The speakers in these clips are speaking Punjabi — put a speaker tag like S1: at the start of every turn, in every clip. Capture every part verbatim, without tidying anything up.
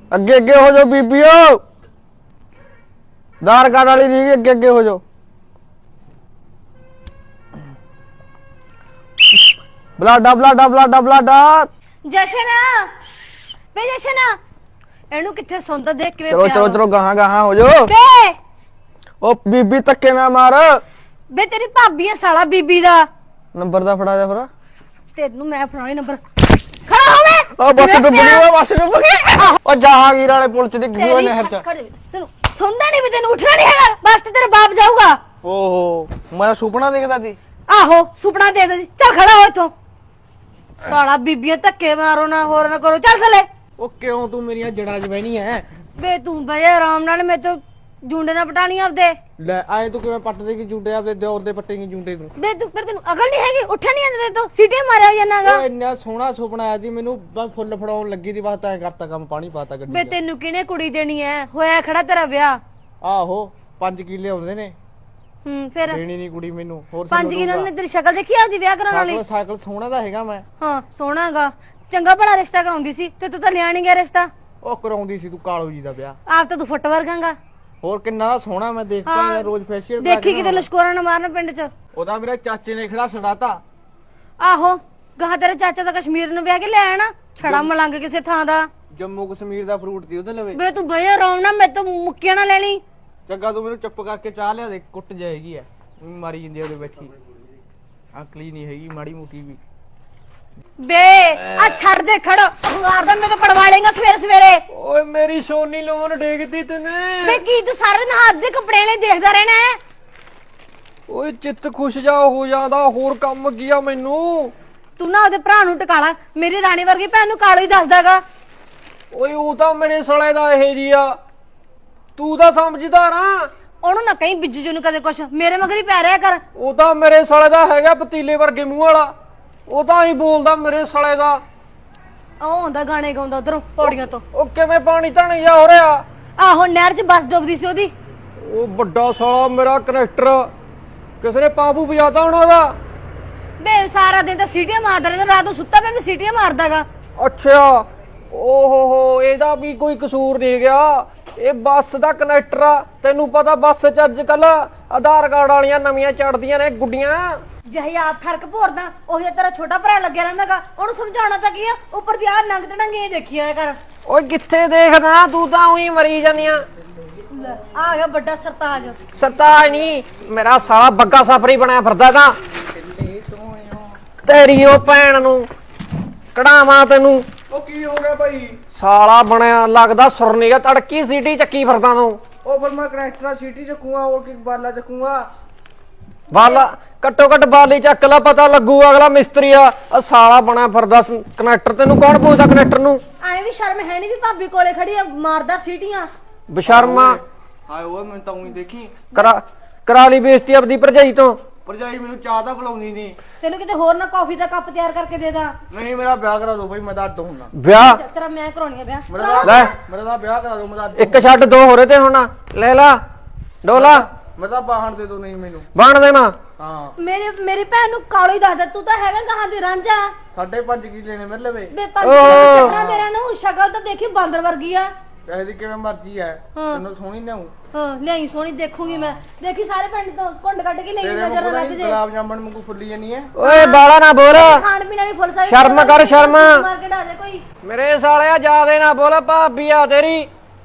S1: ਅੱਗੇ ਅੱਗੇ ਹੋ ਜਾਓ ਬੀਬੀਓ ਆਧਾਰ ਕਾਰਡ ਵਾਲੀ ਨਹੀਂ ਅੱਗੇ ਅੱਗੇ ਹੋ ਜਾਓ ਬਲਾਡਾ ਬਲਾਡਾ ਬਲਾਡਾ ਬਲਾਡਾ
S2: ਜਸ਼ਨ ਵੇ ਜਸ਼ਨ ਇਹਨੂੰ ਕਿੱਥੇ ਸੌਂਦਾ ਦੇਖ ਕਿਵੇਂ
S1: ਚਲੋ
S2: ਪਿਆ
S1: ਚਲੋ ਚਲੋ ਗਾਹਾਂ ਗਾਹਾਂ ਹੋ ਜਾਓ
S2: ਵੇ
S1: ਉਹ ਬੀਬੀ ਧੱਕੇ ਨਾ ਮਾਰ
S2: ਵੇ ਤੇਰੀ ਭਾਬੀ ਆ ਸਾਲਾ ਬੀਬੀ ਦਾ
S1: ਨੰਬਰ ਦਾ ਫੜਾ ਜਾ ਫਿਰ
S2: ਤੈਨੂੰ ਮੈਂ ਫੜਾਉਣੀ ਨੰਬਰ ਖੜਾ ਹੋਵੇ
S1: ਉਹ ਬੱਸ ਡੁੱਬ ਗਈ ਉਹ ਬੱਸ ਡੁੱਬ ਗਈ ਉਹ ਜਹਾਂਗੀਰ ਵਾਲੇ ਪੁਲ ਚ ਡਿੱਗ ਗਈ ਉਹ ਨਹਿਰ ਚ
S2: ਤੈਨੂੰ ਸੌਂਦਾ ਨਹੀਂ ਵੀ ਤੈਨੂੰ ਉੱਠਣਾ ਨਹੀਂ ਹੈਗਾ ਬਸ ਤੇ ਤੇਰਾ ਬਾਪ ਜਾਊਗਾ
S1: ਓਹੋ ਮੈਂ ਸੁਪਨਾ ਦੇਖਦਾ ਸੀ
S2: ਆਹੋ ਸੁਪਨਾ ਦੇ ਦੇ ਚੱਲ ਖੜਾ ਹੋ ਇੱਥੋਂ ਸਾਲਾ ਬੀਬੀਆਂ ਧੱਕੇ ਮਾਰੋ ਨਾ ਹੋਰ ਨਾ ਕਰੋ ਚੱਲ ਥੱਲੇ
S1: ਉਹ ਕਿਉਂ ਤੂੰ ਮੇਰੀਆਂ ਜੜਾਂ 'ਚ ਬਹਿਣੀ ਐ
S2: ਵੇ ਤੂੰ ਬਈ ਆਰਾਮ ਨਾਲ ਮੇਰੇ ਤੋਂ ਜੁੰਡੇ ਨਾ ਪਟਾਣੀ ਆਪਦੇ
S1: ਲੈ ਆਏ ਤੂੰ ਕਿਵੇਂ ਪੱਟ ਦੇਗੀ ਜੁੰਡੇ ਆਪਦੇ ਦੌਰ ਦੇ ਪੱਟੇਗੀ ਜੁੰਡੇ ਨੂੰ
S2: ਵੇ ਤੂੰ ਫਿਰ ਤੈਨੂੰ ਅਕਲ ਨਹੀਂ ਹੈਗੀ ਉੱਠਿਆ ਨਹੀਂ ਆਂਦਾ ਤੂੰ ਸੀਟੇ ਮਾਰਿਆ ਜਾਨਾਗਾ
S1: ਓਏ ਇੰਨਾ ਸੋਹਣਾ ਸੁਪਨਾ ਆਇਆ ਸੀ ਮੈਨੂੰ ਬਸ ਫੁੱਲ ਫੜਾਉਣ ਲੱਗੀ ਦੀ ਬਾਤ ਐ ਕਰਤਾ ਕੰਮ ਪਾਣੀ ਪਾਤਾ ਗੱਡੀ
S2: ਵੇ ਤੈਨੂੰ ਕਿਹਨੇ ਕੁੜੀ ਦੇਣੀ ਐ ਹੋਇਆ ਖੜਾ ਤੇਰਾ ਵਿਆਹ
S1: ਆਹੋ ਪੰਜ ਕਿੱਲੇ ਆਉਂਦੇ ਨੇ
S2: ਹੂੰ ਫਿਰ
S1: ਦੇਣੀ ਨਹੀਂ ਕੁੜੀ ਮੈਨੂੰ ਹੋਰ
S2: ਪੰਜ ਕਿਨਾਂ ਨੇ ਤੇਰੀ ਸ਼ਕਲ ਦੇਖੀ ਆਪਦੀ ਵਿਆਹ ਕਰਾਉਣ ਵਾਲੀ
S1: ਸਾਈਕਲ ਸਾਈਕਲ ਸੋਹਣਾ ਦਾ ਹੈਗਾ ਮੈਂ
S2: ਹਾਂ ਸੋਹਣਾਗਾ ਚੰਗਾ ਭਲਾ ਰਿਸ਼ਤਾ ਕਰਾਉਂਦੀ ਸੀ ਤੇ ਤੂੰ ਤਾਂ ਲਿਆ ਨਹੀਂ ਗਿਆ ਰਿਸ਼ਤਾ
S1: ਉਹ ਕਰਾਉਂਦੀ ਸੀ ਤੂੰ ਕਾਲੂ ਜੀ ਦਾ ਵਿਆਹ
S2: ਆਪ ਤਾਂ ਤੂੰ ਫੁੱਟ ਵਰਗਾਂਗਾ
S1: ਹੋਰ ਕਿੰਨਾ ਦਾ ਸੋਹਣਾ ਮੈਂ ਦੇਖਦਾ ਰੋਜ਼ ਫੇਸ਼ੀਅਲ
S2: ਦੇਖੀ ਕਿਤੇ ਲਸ਼ਕੋਰਾ ਨਾ ਮਾਰਨ ਪਿੰਡ 'ਚ
S1: ਉਹਦਾ ਮੇਰੇ ਚਾਚੇ ਨੇ ਖੜਾ ਛੜਾਤਾ
S2: ਆਹੋ ਗਾਹ ਤੇਰੇ ਚਾਚਾ ਦਾ ਕਸ਼ਮੀਰ ਨੂੰ ਵਿਆਹ ਕੇ ਲੈ ਆਣਾ ਛੜਾ ਮਲੰਗ ਕਿਸੇ ਥਾਂ ਦਾ
S1: ਜੰਮੂ ਕਸ਼ਮੀਰ ਦਾ ਫਰੂਟ ਸੀ ਉਹਦੇ ਲਵੇ
S2: ਵੇ ਤੂੰ ਬਈ ਆਰਾਮ ਨਾਲ ਮੇਰੇ ਤੋਂ ਮੁੱਕੀਆਂ ਨਾ ਲੈ ਲਈ
S1: ਚੰਗਾ ਤੂੰ ਮੈਨੂੰ ਚੁੱਪ ਕਰਕੇ ਚਾਹ ਲਿਆ ਦੇ ਕੁੱਟ ਜਾਏਗੀ ਐ ਮਾਰੀ ਜਾਂਦੀ ਉਹਦੇ ਬੈਠੀ ਅਕਲੀ ਨਹੀਂ ਹੈਗੀ ਮਾੜੀ ਮੋਟੀ ਵੀ
S2: ਬੇ ਆ ਛੱਡ ਦੇ ਖੜੋ ਮਾਰਦਾ ਮੈਂ ਤਾਂ ਪੜਵਾ ਲੇਗਾ ਸਵੇਰੇ ਸਵੇਰੇ
S1: ਓਏ ਮੇਰੀ ਸੋਨੀ ਲੋਨ ਡੇਗਦੀ ਤੈਨੇ
S2: ਬੇ ਕੀ ਤੂੰ ਸਾਰਾ ਦਿਨ ਹੱਥ ਦੇ ਕੱਪੜੇ ਲੈ ਦੇਖਦਾ ਰਹਿਣਾ ਹੈ
S1: ਓਏ ਚਿੱਤ ਖੁਸ਼ ਜਾ ਹੋ ਜਾਂਦਾ ਹੋਰ ਕੰਮ ਕੀ ਆ ਮੈਨੂੰ
S2: ਤੂੰ ਨਾ ਉਹਦੇ ਭਰਾ ਨੂੰ ਟਿਕਾਲਾ ਮੇਰੀ ਰਾਣੀ ਵਰਗੀ ਭੈਣ ਨੂੰ ਕਾਲੋ ਹੀ ਦੱਸਦਾਗਾ
S1: ਓਏ ਉਹ ਤਾਂ ਮੇਰੇ ਸਲੇ ਦਾ ਇਹ ਜੀ ਆ ਤੂੰ ਤਾਂ ਸਮਝਦਾਰ ਆ
S2: ਉਹਨੂੰ ਨਾ ਕਹੀਂ ਬਿੱਜੂ ਜੀ ਨੂੰ ਕਦੇ ਕੁਛ ਮੇਰੇ ਮਗਰ ਹੀ ਪੈ ਰਿਹਾ ਕਰ
S1: ਉਹ ਤਾਂ ਮੇਰੇ ਸਲੇ ਦਾ ਹੈਗਾ ਪਤੀਲੇ ਵਰਗੇ ਮੂੰਹ ਵਾਲਾ ਉਹ ਤਾਂ ਹੀ ਬੋਲਦਾ ਮੇਰੇ ਸਲੇ ਦਾ
S2: ਉਹ ਹੁੰਦਾ ਗਾਣੇ ਗਾਉਂਦਾ ਉਧਰੋਂ ਪੌੜੀਆਂ ਤੋਂ
S1: ਉਹ ਕਿਵੇਂ ਪਾਣੀ ਧਾਣੀ ਜਾ ਹੋ ਰਿਹਾ
S2: ਆਹੋ ਨਹਿਰ 'ਚ ਬੱਸ ਡੁੱਬਦੀ ਸੀ ਉਹਦੀ
S1: ਉਹ ਵੱਡਾ ਸਾਲਾ ਮੇਰਾ ਕਨੈਕਟਰ ਕਿਸੇ ਨੇ ਪਾਪੂ ਵਜਾਤਾ ਹੋਣਾ ਉਹਦਾ
S2: ਬੇ ਸਾਰਾ ਦਿਨ ਤਾਂ ਸੀਟੀਆਂ ਮਾਰਦਾ ਰਹਿੰਦਾ ਰਾਤ ਨੂੰ ਸੁੱਤਾ ਪਿਆ ਵੀ ਸੀਟੀਆਂ ਮਾਰਦਾਗਾ
S1: ਅੱਛਾ ਓਹੋ ਹੋ ਇਹਦਾ ਵੀ ਕੋਈ ਕਸੂਰ ਨਹੀਂ ਗਿਆ ਇਹ ਬੱਸ ਦਾ ਕਨੈਕਟਰ ਆ ਤੈਨੂੰ ਪਤਾ ਬੱਸ 'ਚ ਅੱਜ ਕੱਲ ਆਧਾਰ ਕਾਰਡ ਵਾਲੀਆਂ ਨਵੀਆਂ ਚੜਦੀਆਂ ਨੇ ਗੁੱਡੀਆਂ
S2: ਜਿਹੇ ਆਪ ਫਰਕ ਭੋਰਦਾ ਉਹੀ ਤੇਰਾ ਛੋਟਾ ਭਰਾ ਲੱਗਿਆ ਰਹਿੰਦਾਗਾ ਉਹਨੂੰ ਸਮਝਾਉਣਾ ਤਾਂ ਕੀ ਆ ਉੱਪਰ ਦੀ ਆ ਨੰਗ ਤੜੰਗੇ ਦੇਖੀਆਂ ਕਰ
S1: ਓਏ ਕਿੱਥੇ ਦੇਖਦਾ ਤੂੰ ਤਾਂ ਉਹੀ ਮਰੀ ਜਾਂਦੀਆਂ
S2: ਆ ਗਿਆ ਵੱਡਾ ਸਰਤਾਜ
S1: ਸਰਤਾਜ ਨਹੀਂ ਮੇਰਾ ਸਾਲਾ ਬੱਗਾ ਸਫਰੀ ਬਣਿਆ ਫਿਰਦਾ ਤਾਂ ਤੇਰੀ ਉਹ ਭੈਣ ਨੂੰ ਕਢਾਵਾਂ ਤੈਨੂੰ
S3: ਉਹ ਕੀ ਹੋ ਗਿਆ ਭਾਈ
S1: ਸਾਲਾ ਬਣਿਆ ਲੱਗਦਾ ਸੁਰਨੀਗਾ ਤੜਕੀ ਸੀਟੀ ਚੱਕੀ ਫਿਰਦਾ ਤੂੰ
S3: ਉਹ ਫਿਰ ਮੈਂ ਕਨੈਕਟਰ ਸੀਟੀ ਚੱਕੂਗਾ ਹੋਰ ਕੀ ਬਾਲਾ ਚੱਕੂਗਾ
S1: ਬਾਲਾ ਘੱਟੋ ਘੱਟ ਬਾਲੀ ਚੱਕ ਲਾ ਪਤਾ ਲੱਗੂ ਅਗਲਾ ਮਿਸਤਰੀ ਆ ਆ ਸਾਲਾ ਬਣਿਆ ਫਿਰਦਾ ਕਨੈਕਟਰ ਤੈਨੂੰ ਕੌਣ ਪੁੱਛਦਾ ਕਨੈਕਟਰ ਨੂੰ
S2: ਐ ਵੀ ਸ਼ਰਮ ਹੈ ਨਹੀਂ ਵੀ ਭਾਬੀ ਕੋਲੇ ਖੜੀ ਆ ਮਾਰਦਾ ਸੀਟੀਆਂ
S1: ਬਸ਼ਰਮਾ
S3: ਹਾਏ ਓਏ ਮੈਂ ਤਾਂ ਉਹੀ ਦੇਖੀ
S1: ਕਰਾ ਕਰਾ ਲਈ ਬੇਇੱਜ਼ਤੀ ਆਪਦੀ ਭਰਜਾਈ ਤੋਂ
S3: ਭਰਜਾਈ ਮੈਨੂੰ ਚਾਹ ਤਾਂ ਬੁਲਾਉਂਦੀ ਨਹੀਂ
S2: ਤੈਨੂੰ ਕਿਤੇ ਹੋਰ ਨਾ ਕਾਫੀ ਦਾ ਕੱਪ ਤਿਆਰ ਕਰਕੇ ਦੇ ਦਾਂ
S3: ਨਹੀਂ ਮੇਰਾ ਵਿਆਹ ਕਰਾ ਦਿਓ ਭਾਈ ਮੈਂ ਤਾਂ ਅੱਡ ਹੁੰਨਾ
S1: ਵਿਆਹ
S2: ਤੇਰਾ ਮੈਂ ਕਰਾਉਣੀ ਆ ਵਿਆਹ
S3: ਮੇਰਾ
S1: ਲੈ
S3: ਮੇਰਾ ਤਾਂ ਵਿਆਹ ਕਰਾ ਦਿਓ ਮੈਂ ਤਾਂ ਅੱਡ
S1: ਇੱਕ ਛੱਡ ਦੋ ਹੋਰੇ ਤੇ ਹੁਣ ਲੈ ਲਾ ਡੋਲਾ
S3: ਮੈਂ ਤਾਂ ਬਾਹਣ ਦੇ ਦੋ ਨਹੀਂ ਮੈਨੂੰ
S1: ਬਣ ਦੇਣਾ
S3: ਹਾਂ
S2: ਮੇਰੇ ਮੇਰੀ ਭੈਣ ਨੂੰ ਕਾਲੋ ਹੀ ਦੱਸਦਾ ਤੂੰ ਤਾਂ ਹੈਗਾ ਗਾਹਾਂ ਦੀ ਰਾਂਝਾ
S3: ਸਾਢੇ ਪੰਜ ਕਿੱਲੇ ਨੇ ਮੇਰੇ ਲਵੇ
S2: ਬੇ ਪੰਜ ਕਿਲੋ ਤੇਰਾ ਨੂੰ ਸ਼ਕਲ ਤਾਂ ਦੇਖੀ ਬਾਂਦਰ ਵਰਗੀ ਆ
S3: ਇਹਦੀ ਕਿਵੇਂ ਮਰਜ਼ੀ ਐ ਤੈਨੂੰ ਸੋਹਣੀ ਨਾ
S2: ਹਾਂ ਲਿਆਈ ਸੋਹਣੀ ਦੇਖੂਗੀ ਮੈਂ ਦੇਖੀ ਸਾਰੇ ਪਿੰਡ ਤੋਂ ਕੁੰਡ ਕੱਢ ਕੇ ਲਈ
S3: ਤੇਰੇ
S2: ਨਜ਼ਰ
S3: ਨੂੰ
S2: ਲੱਗ ਜੇ
S3: ਗੁਲਾਬ ਜਾਮਣ ਵਾਂਗੂ ਫੁੱਲੀ ਜਾਨੀ ਐ
S1: ਓਏ ਬਾਲਾ ਨਾ ਬੋਲ
S2: ਖਾਣ ਪੀਣ ਵਾਲੀ ਫੁੱਲ ਸਾਰੀ
S1: ਸ਼ਰਮ ਕਰ ਸ਼ਰਮ
S2: ਮਾਰ ਕੇ ਢਾ ਦੇ ਕੋਈ
S1: ਮੇਰੇ ਸਾਲਿਆ ਜਾਦੇ ਨਾ ਬੋਲ ਭਾਬੀ ਆ ਤੇਰੀ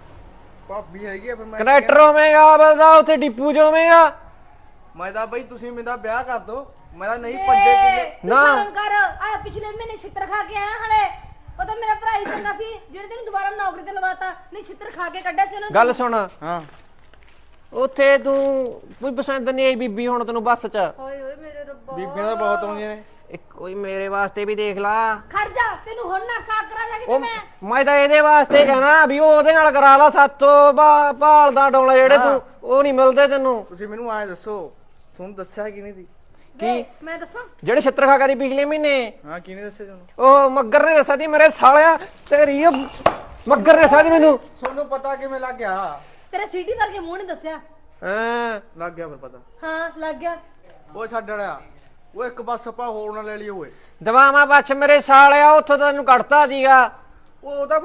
S3: ਭਾਬੀ ਹੈਗੀ ਆ ਫਿਰ ਮੈਂ
S1: ਕਨੈਕਟਰ ਹੋਵੇਂਗਾ ਬਲਦਾ ਉੱਥੇ ਡਿਪੂ ਚ ਹੋਵੇਂਗਾ
S3: ਮੈਂ ਤਾਂ ਬਈ ਤੁਸੀਂ ਮੇਰਾ ਵਿਆਹ ਕਰ ਦੋ ਮੈਂ ਤਾਂ ਨਹੀਂ ਪੰਜੇ ਕਿੱਲੇ
S2: ਨਾ ਸ਼ਰਮ ਕਰ ਆ ਪਿਛਲੇ ਮਹੀਨੇ ਛਿੱਤਰ ਖਾ ਕੇ ਆਇਆ ਹਲੇ ਉਹ ਤਾਂ ਮੇਰਾ ਭਰਾ ਹੀ ਚੰਗਾ ਸੀ ਜਿਹੜੇ ਤੈਨੂੰ ਦੁਬਾਰਾ ਨੌਕਰੀ ਤੇ ਲਵਾਤਾ ਨਹੀਂ ਛਿੱਤਰ ਖਾ ਕੇ ਕੱਢਿਆ ਸੀ ਉਹਨੂੰ
S1: ਗੱਲ ਸੁਣ
S3: ਹਾਂ
S1: ਉੱਥੇ ਤੂੰ ਕੋਈ ਪਸੰਦ ਨਹੀਂ ਆਈ ਬੀਬੀ ਹੁਣ ਤੈਨੂੰ ਬੱਸ ਚ
S2: ਓਏ ਓਏ ਮੇਰੇ ਰੱਬਾ
S3: ਬੀਬੀਆਂ ਤਾਂ ਬਹੁਤ ਆਉਂਦੀਆਂ ਨੇ
S1: ਇੱਕ ਕੋਈ ਮੇਰੇ ਵਾਸਤੇ ਵੀ ਦੇਖ ਲਾ
S2: ਖੜ ਜਾ ਤੈਨੂੰ ਹੁਣ ਨਾ ਸਾਕ ਕਰਾ ਦਾਂਗੀ ਤੇ
S1: ਉਹ
S2: ਮੈਂ
S1: ਮੈਂ ਤਾਂ ਇਹਦੇ ਵਾਸਤੇ ਕਹਿਣਾ ਵੀ ਉਹ ਉਹਦੇ ਨਾਲ ਕਰਾ ਲਾ ਸਾਤੋਂ ਭਾਲਦਾ ਡੋਲਾ ਜਿਹੜੇ ਤੂੰ ਉਹ ਨਹੀਂ ਮਿਲਦੇ ਤੈਨੂੰ
S3: ਤੁਸੀਂ ਮੈਨੂੰ ਐਂ ਦੱਸੋ ਤੁਹਾਨੂੰ ਦੱਸਿਆ ਕਿਹਨੇ ਦੀ
S1: ਕੀ
S2: ਮੈਂ ਦੱਸਾਂ
S1: ਜਿਹੜੇ ਛਿੱਤਰ ਖਾ ਕਰੀ ਪਿਛਲੇ ਮਹੀਨੇ
S3: ਹਾਂ ਕਿਹਨੇ ਦੱਸਿਆ ਤੁਹਾਨੂੰ
S1: ਉਹ ਮੱਗਰ ਨੇ ਦੱਸਿਆ ਸੀ ਮੇਰੇ ਸਾਲਿਆ ਤੇਰੀ ਉਹ ਮੱਗਰ ਨੇ ਦੱਸਿਆ ਸੀ ਮੈਨੂੰ
S3: ਤੁਹਾਨੂੰ ਪਤਾ ਕਿਵੇਂ ਲੱਗ ਗਿਆ
S2: ਤੇਰੇ ਸੀਟੀ ਵਰਗੇ ਮੂੰਹ ਨੇ ਦੱਸਿਆ
S1: ਹਾਂ
S3: ਲੱਗ ਗਿਆ ਫਿਰ ਪਤਾ
S2: ਹਾਂ ਲੱਗ ਗਿਆ
S3: ਉਹ ਛੱਡ ਰਿਹਾ ਉਹ ਇੱਕ ਬੱਸ ਆਪਾਂ ਹੋਰ ਨਾ ਲੈ ਲਈ ਓਏ
S1: ਦਵਾਵਾਂ ਬੱਚ ਮੇਰੇ ਸਾਲਿਆ ਉੱਥੋਂ ਤੈਨੂੰ ਕੱਢਤਾ ਸੀਗਾ
S3: ਉਹ ਉਹਦਾ ਫਿਰ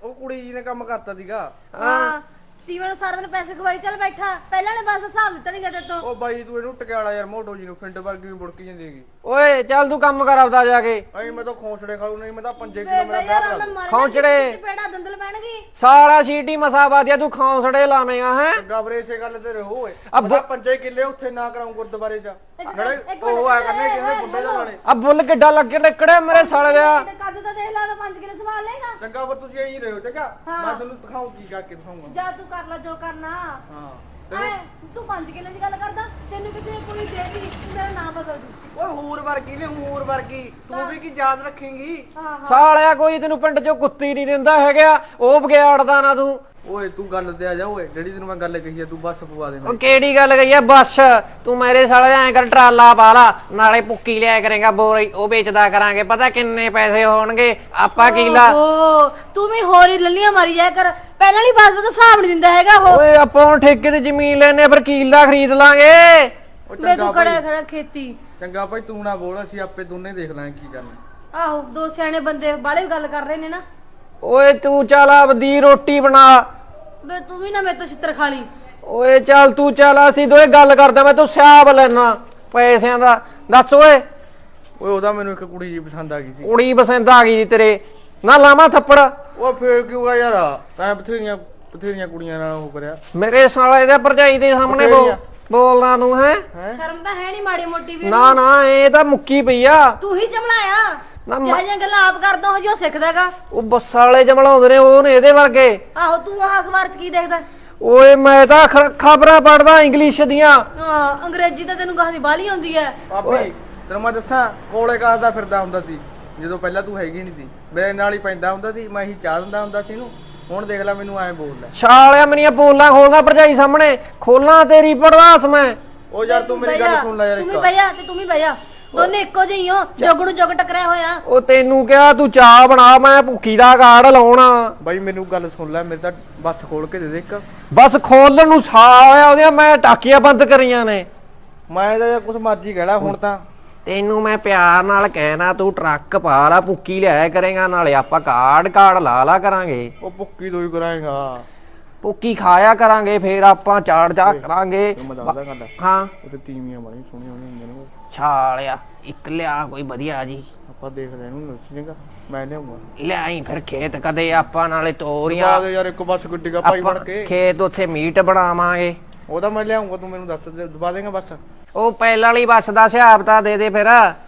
S3: ਉਹ ਕੁੜੀ ਜੀ ਨੇ ਕੰਮ ਕਰਤਾ ਸੀਗਾ।
S2: ਹਾਂ ਸਟੀਵਨ ਨੂੰ ਸਾਰਾ ਦਿਨ ਪੈਸੇ ਖਵਾਈ ਚੱਲ ਬੈਠਾ ਪਹਿਲਾਂ ਨੇ ਬਸ ਹਿਸਾਬ ਦਿੱਤਾ ਨਹੀਂ ਗਿਆ ਤੂੰ।
S3: ਉਹ ਬਾਈ ਤੂੰ ਇਹਨੂੰ ਟਕਿਆਲਾ ਯਾਰ ਮੋਟੋ ਜੀ ਨੂੰ ਫਿੰਡ ਵਰਗੀ ਵੀ ਬੁੜਕੀ ਜਾਂਦੀ ਹੈਗੀ।
S1: ਓਏ ਚੱਲ ਤੂੰ ਕੰਮ ਕਰ ਆਪਦਾ ਜਾ ਕੇ।
S3: ਅਈ ਮੈਂ ਤਾਂ ਖੌਂਸੜੇ ਖਾਲੂ ਨਹੀਂ ਮੈਂ ਤਾਂ ਪੰਜੇ ਕਿਲੋ ਮੇਰਾ ਵਿਆਹ ਕਰਾ ਦੂੰ।
S1: ਖੌਂਚੜੇ
S2: ਪੇੜਾ ਦੰਦਲ ਪੈਣਗੀ
S1: ਸਾਲਾ ਸੀਟੀ ਮਸਾ ਬਾਦਿਆ ਤੂੰ ਖੌਂਸੜੇ ਲਾਵੇਂਗਾ ਹੈ।
S3: ਚੰਗਾ ਵੀਰੇ ਇਸੇ ਗੱਲ ਤੇ ਰਹੋ ਓਏ।
S1: ਅੱਬ-
S3: ਮੈਂ ਪੰਜੇ ਕਿੱਲੇ ਉੱਥੇ ਨਾ ਕਰਾਉਂ ਗੁਰਦੁਆਰੇ ਚ ਜਿਹੜੇ
S2: ਇੱਕ
S3: ਉਹ ਆ
S2: ਮਿੰਟ
S3: ਕਰਨੇ ਕਿਹਨੇ ਬੁੱਢੇ ਦਾ ਨਾਲੇ।
S1: ਆ ਬੁੱਲ ਕਿੱਡਾ ਲੱਗੇ ਨਿਕੜਿਆ ਮੇਰੇ ਸਾਲੇ ਦਾ।
S2: ਕੱਦ ਤਾਂ ਦੇਖ ਲਾ ਤਾਂ ਪੰਜ ਕਿਲੋ ਸੰਭਾਲ ਲੇਗਾ।
S3: ਚੰਗਾ ਪਰ ਤੁਸੀਂ ਇਹੀ ਰਹੋ ਚੰਗਾ।
S2: ਹਾਂ।
S3: ਮੈਂ ਤੁਹਾਨੂੰ ਦਿਖਾਉਂ ਕੀ ਕਰਕੇ ਦਿਖਾਉਂਗਾ।
S2: ਜਾ ਤੂੰ ਕਰ ਲੈ ਜੋ ਕਰਨਾ।
S3: ਹਾਂ
S2: ਐ ਤੂੰ ਪੰਜ ਕਿਲੋ ਦੀ ਗੱਲ ਕਰਦਾ ਤੈਨੂੰ ਕਿਸੇ ਨੇ ਕੁੜੀ ਦੇਤੀ ਮੇਰਾ ਨਾਮ ਬਦਲ ਦੂ।
S3: ਓਏ ਹੂਰ ਵਰਗੀ ਨੇ ਹੂਰ ਵਰਗੀ ਤੂੰ ਵੀ ਕੀ ਯਾਦ ਰੱਖੇਂਗੀ।
S2: ਹਾਂ ਹਾਂ
S1: ਸਾਲਿਆ ਕੋਈ ਤੈਨੂੰ ਪਿੰਡ ਚੋਂ ਕੁੱਤੀ ਨਹੀਂ ਦਿੰਦਾ ਹੈਗਾ ਉਹ ਬਗਿਆੜਦਾ ਨਾ ਤੂੰ।
S3: ਓਏ ਤੂੰ ਗੱਲ ਤੇ ਆ ਜਾ ਓਏ ਜਿਹੜੀ ਤੈਨੂੰ ਮੈਂ ਗੱਲ ਕਹੀ ਆ ਤੂੰ ਬੱਸ ਪਵਾ ਦੇ
S1: ਉਹ ਕਿਹੜੀ ਗੱਲ ਗਈ ਐ ਬੱਸ ਤੂੰ ਮੇਰੇ ਸਾਲੇ ਐਂ ਕਰ ਟਰਾਲਾ ਪਾ ਲਾ ਨਾਲੇ ਪੁੱਕੀ ਲਿਆ ਕਰੇਗਾ ਬੋਰੀ ਉਹ ਵੇਚਦਾ ਕਰਾਂਗੇ ਪਤਾ ਕਿੰਨੇ ਪੈਸੇ ਹੋਣਗੇ ਆਪਾਂ ਕੀਲਾ।
S2: ਓ ਤੂੰ ਵੀ ਹੋਰ ਹੀ ਲੱਲੀਆਂ ਮਾਰੀ ਜਾਇਆ ਕਰ ਪਹਿਲਾਂ ਵਾਲੀ ਬਾਤ ਦਾ ਤਾਂ ਹਿਸਾਬ ਨਹੀਂ ਦਿੰਦਾ ਹੈਗਾ ਉਹ।
S1: ਓਏ ਆਪਾਂ ਹੁਣ ਠੇਕੇ ਤੇ ਜ਼ਮੀਨ ਲੈਨੇ ਫਿਰ ਕੀਲਾ ਖਰੀਦ ਲਾਂਗੇ।
S3: ਓ
S2: ਮੈਂ
S3: ਚੰਗਾ
S2: ਤੂੰ ਕੜਿਆ
S3: ਭਾਈ
S2: ਖੜਾ ਖੇਤੀ।
S3: ਚੰਗਾ ਭਾਈ ਤੂੰ ਨਾ ਬੋਲ ਅਸੀਂ ਆਪੇ ਦੋਨੇ ਦੇਖ ਲਾਂਗੇ ਕੀ ਕਰਨਾ।
S2: ਆਹੋ ਦੋ ਸਿਆਣੇ ਬੰਦੇ ਬਾਲੇ ਗੱਲ ਕਰ ਰਹੇ ਨੇ ਨਾ।
S1: ਓਏ ਤੂੰ ਚੱਲ ਆਪਦੀ ਰੋਟੀ ਬਣਾ।
S2: ਵੇ ਤੂੰ ਵੀ ਨਾ ਮੇਰੇ ਤੋਂ ਛਿੱਤਰ ਖਾ ਲਈ।
S1: ਓਏ ਚੱਲ ਤੂੰ ਚੱਲ ਅਸੀਂ ਦੋਏ ਗੱਲ ਕਰਦੇ ਮੈਂ ਤੂੰ ਸਿਆਬ ਲੈਣਾ ਪੈਸਿਆਂ ਦਾ ਦੱਸ ਓਏ।
S3: ਓਏ ਉਹਦਾ ਮੈਨੂੰ ਇੱਕ ਕੁੜੀ ਜੀ ਪਸੰਦ ਆ ਗਈ ਸੀ।
S1: ਕੁੜੀ ਪਸੰਦ ਆ ਗਈ ਜੀ ਤੇਰੇ ਨਾ ਲਾਵਾਂ ਥੱਪੜ।
S3: ਓ ਫੇਰ ਕਿਉਂ ਆ ਯਾਰ ਤੈਂ ਬਥੇਰੀਆਂ ਬਥੇਰੀਆਂ ਕੁੜੀਆਂ ਨਾਲ ਉਹ ਕਰਿਆ।
S1: ਮੇਰੇ ਸਾਲੇ ਦੇ ਭਰਜਾਈ ਦੇ ਸਾਹਮਣੇ ਬੋਲ ਬੋਲਣਾ ਤੂੰ ਹੈ।
S2: ਸ਼ਰਮ ਤਾਂ ਹੈ ਨਹੀਂ ਮਾੜੀ ਮੋਟੀ ਵੀ।
S1: ਨਾ ਨਾ ਇਹ ਤਾਂ ਮੁੱਕੀ ਪਈ ਆ।
S2: ਤੂੰ ਹੀ ਜਮਲਾਇਆ
S1: ਨਾ ਮ-
S2: ਜਿਹੋ ਜਿਹੀਆਂ ਗੱਲਾਂ ਆਪ ਕਰਦਾ ਹੋ ਜੋ ਸਿੱਖਦਾਗਾ।
S1: ਉਹ ਬੱਸ ਵਾਲੇ ਜਮਲਾਉਂਦੇ ਨੇ ਉਹ ਨੇ ਇਹਦੇ ਵਰਗੇ।
S2: ਆਹੋ ਤੂੰ ਆਹ ਅਖਬਾਰ ਚ ਕੀ ਦੇਖਦਾ।
S1: ਓਏ ਮੈਂ ਤਾਂ ਖਬਰਾਂ ਪੜਦਾ ਇੰਗਲਿਸ਼ ਦੀਆਂ।
S2: ਹਾਂ ਅੰਗਰੇਜ਼ੀ ਤਾਂ ਤੈਨੂੰ ਕਹਾਂ ਦੀ ਬਾਲੀ ਆਉਂਦੀ ਐ।
S3: ਭਾਬੀ ਤੈਨੂੰ ਮੈਂ ਦੱਸਾਂ ਕੋਲੇ ਕਾਸਦਾ ਫਿਰਦਾ ਹੁੰਦਾ ਸੀ ਜਦੋਂ ਪਹਿਲਾਂ ਤੂੰ ਹੈਗੀ ਨਹੀਂ ਸੀ ਮੇਰੇ ਨਾਲ ਹੀ ਪੈਂਦਾ ਹੁੰਦਾ ਸੀ ਮੈਂ ਹੀ ਚਾਹ ਦਿੰਦਾ ਹੁੰਦਾ ਸੀ ਇਹਨੂੰ। ਹੁਣ ਦੇਖ ਲੈ ਮੈਨੂੰ ਐਂ ਬੋਲਦਾ।
S1: ਛਾਲਿਆ ਮੇਰੀਆਂ ਬੋਲਾਂ ਖੋਲਦਾ ਭਰਜਾਈ ਸਾਹਮਣੇ ਖੋਲਾਂ ਤੇਰੀ ਪੜਦਾਸ ਮੈਂ।
S3: ਉਹ ਯਾਰ ਤੂੰ ਮੇਰੀ ਗੱਲ ਸੁਣ ਲੈ ਯਾਰ
S2: ਤੂੰ ਵੀ
S3: ਇੱਕ।
S2: ਬਹਿ ਜਾ ਤੇ ਤੂੰ ਵੀ ਬਹਿ ਜਾ ਦੋਨੇ ਇੱਕੋ ਜਿਹੀ ਹੋ ਜੁਗ ਨੂੰ ਜੁਗ ਟਕਰਿਆ ਹੋਇਆ।
S1: ਉਹ ਤੈਨੂੰ ਕਿਹਾ ਤੂੰ ਚਾਹ ਬਣਾ ਮੈਂ ਭੁੱਖੀ ਦਾ ਕਾਰਡ ਲਾਉਣਾ।
S3: ਬਾਈ ਮੈਨੂੰ ਗੱਲ ਸੁਣ ਲੈ ਮੇਰੇ ਤਾਂ ਬੱਸ ਖੋਲ ਕੇ ਦੇ ਦੇ ਇੱਕ।
S1: ਬਸ ਖੋਲਣ ਨੂੰ ਸਾਹ ਹੋਇਆ ਉਹਦੀਆਂ ਮੈਂ ਟਾਕੀਆਂ ਬੰਦ ਕਰੀਆਂ ਨੇ।
S3: ਮੈਂ ਤਾਂ ਕੁਛ ਮਰਜ਼ੀ ਕਹਿਣਾ ਹੁਣ ਤਾਂ।
S1: ਤੈਨੂੰ ਮੈਂ ਪਿਆਰ ਨਾਲ ਕਹਿਣਾ ਤੂੰ ਟਰੱਕ ਪਾ ਲਾ ਭੁੱਕੀ ਲਿਆਇਆ ਕਰੇਗਾ ਨਾਲੇ ਆਪਾਂ ਕਾਰਡ ਕਾਰਡ ਲਾ ਲਾ ਕਰਾਂਗੇ।
S3: ਉਹ ਭੁੱਕੀ ਤੋਂ ਹੀ ਕਰਾਏਗਾ।
S1: ਭੁੱਕੀ ਖਾਇਆ ਕਰਾਂਗੇ ਫੇਰ ਆਪਾਂ ਚਾੜ ਜਾ ਕਰਾਂਗੇ।
S3: ਮੈਂ ਦੱਸਦਾ ਗੱਲ
S1: ਹਾਂ
S3: ਉੱਥੇ ਤੀਵੀਆਂ ਬੜੀ ਸੋਹਣੀਆਂ ਹੁੰਦੀਆਂ ਨੇ
S1: ਛਾਲਿਆ ਇੱਕ ਲਿਆ ਕੋਈ ਵਧੀਆ ਜੀ।
S3: ਆਪਾਂ ਦੇਖਦੇ ਇਹਨੂੰ ਦੱਸੀਏਗਾ ਮੈਂ ਲਿਆਉਂਗਾ।
S1: ਲਿਆਈ ਫਿਰ ਖੇਤ ਕਦੇ ਆਪਾਂ ਨਾਲੇ ਤੋਰੀਆਂ
S3: ਬਾਅਦ ਯਾਰ ਇੱਕ ਬੱਸ ਗੱਡੀ ਦਾ ਭਾਈ
S1: ਆਪਾਂ
S3: ਬਣ ਕੇ
S1: ਖੇਤ ਉੱਥੇ ਮੀਟ ਬਣਾਵਾਂਗੇ।
S3: ਉਹਦਾ ਮੈਂ ਲਿਆਉਂਗਾ ਤੂੰ ਮੈਨੂੰ ਦੱਸ ਦੇ ਦਬਾ ਦੇਗਾ ਬੱਸ।
S1: ਉਹ ਪਹਿਲਾਂ ਵਾਲੀ ਬੱਸ ਦਾ ਹਿਸਾਬ ਤਾਂ ਦੇ ਦੇ ਫਿਰ।